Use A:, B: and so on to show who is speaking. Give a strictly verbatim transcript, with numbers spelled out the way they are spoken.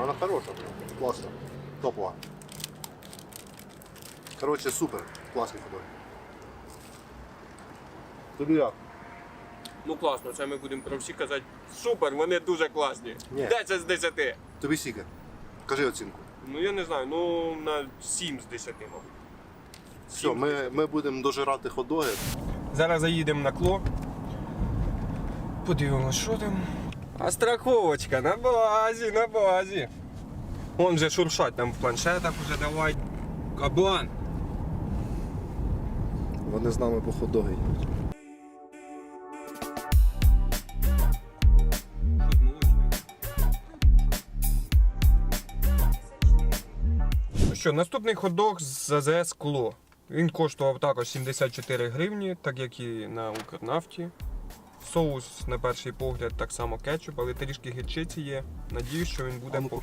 A: вона хороша, класна, топова. Коротше, супер, класний ходок. Тобі як?
B: Ну класно, це ми будемо про всі казати. Супер, вони дуже класні.
A: Ні.
B: десять з десяти.
A: Тобі скільки? Кажи оцінку.
B: Ну я не знаю, ну на сім з десяти, мабуть.
A: Все, ми, ми будемо дожирати ходоги.
B: Зараз заїдемо на кло. Подивимось, що там. А страховочка на базі, на базі. Вон вже шуршать там в планшетах уже давай. Кабан.
A: Вони з нами по ходоги йдуть.
B: Ну що, наступний ходок з АЗС Кло. Він коштував також сімдесят чотири гривні, так як і на Укрнафті. Соус, на перший погляд, так само кетчуп, але трішки гірчиці є. Надіюсь, що він буде
A: А ну,
B: по